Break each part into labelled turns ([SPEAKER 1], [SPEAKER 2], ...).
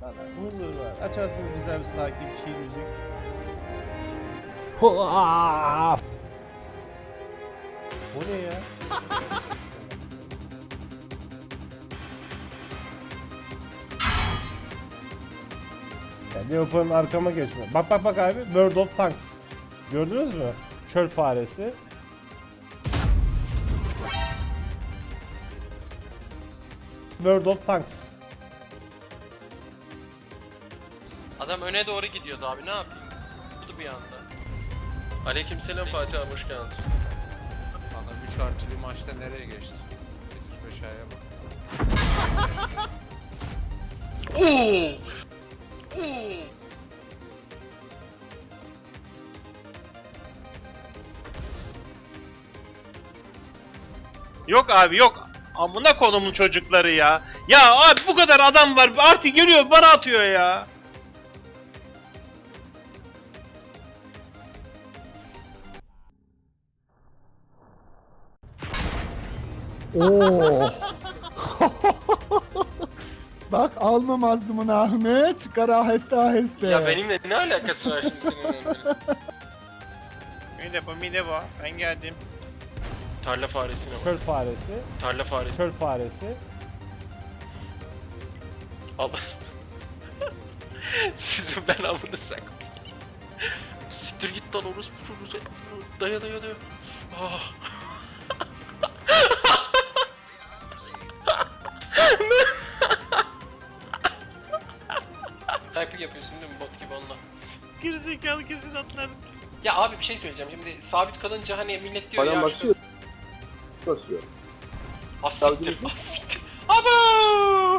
[SPEAKER 1] Huzur var. Açarsın güzel bir sakin chill müzik. O ne ya? Yani Leopard'ın arkama geçme. Bak bak bak abi. World of Tanks. Gördünüz mü? Çöl faresi. World of Tanks.
[SPEAKER 2] Adam öne doğru gidiyordu abi, ne yapayım? Durdu bir anda. Aleykümselam Fatih abi, hoş geldin.
[SPEAKER 3] Adam 3 artı bir maçta nereye geçti? 75 aya bak.
[SPEAKER 2] Oo! Yok abi yok. Amına konumun çocukları ya. Ya abi bu kadar adam var. Artık geliyor bana atıyor ya.
[SPEAKER 4] Oo. Bak almamazdım onu Ahmet. Çıkar aheste aheste.
[SPEAKER 2] Ya benimle ne alakası var şimdi senin? Mide bu. Ben geldim. Tarla faresine bak.
[SPEAKER 1] Çöl faresi.
[SPEAKER 2] Tarla faresi.
[SPEAKER 1] Çöl faresi.
[SPEAKER 2] Al. Sizin ben amını sak. Siktir git lan orospu çocuğu. Daya. Ah. Taklit yapıyorsun değil mi bot gibi onunla? Gerizekalı kesin atlar. Ya abi bir şey söyleyeceğim. Şimdi sabit kalınca hani millet diyor
[SPEAKER 5] Adam
[SPEAKER 2] ya.
[SPEAKER 5] basıyor. Basıyor.
[SPEAKER 2] Asiktir. Abo!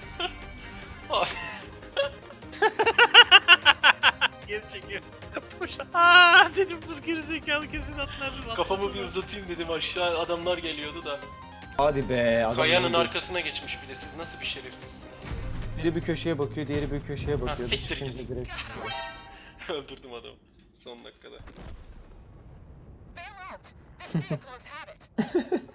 [SPEAKER 2] Geri çekiyor. Boş. Dedim bu gerizekalı kesin atlar. Kafamı bir uzatayım dedim, aşağı adamlar geliyordu da.
[SPEAKER 6] Hadi be adam.
[SPEAKER 2] Kayanın arkasına geçmiş bir de, siz nasıl bir şerefsiz.
[SPEAKER 6] Biri bir köşeye bakıyor, diğeri bir köşeye bakıyor.
[SPEAKER 2] siktir
[SPEAKER 6] Çıkınca
[SPEAKER 2] git.
[SPEAKER 6] direkt.
[SPEAKER 2] Öldürdüm adamı son dakikada.
[SPEAKER 7] Bail out. This vehicle has had it.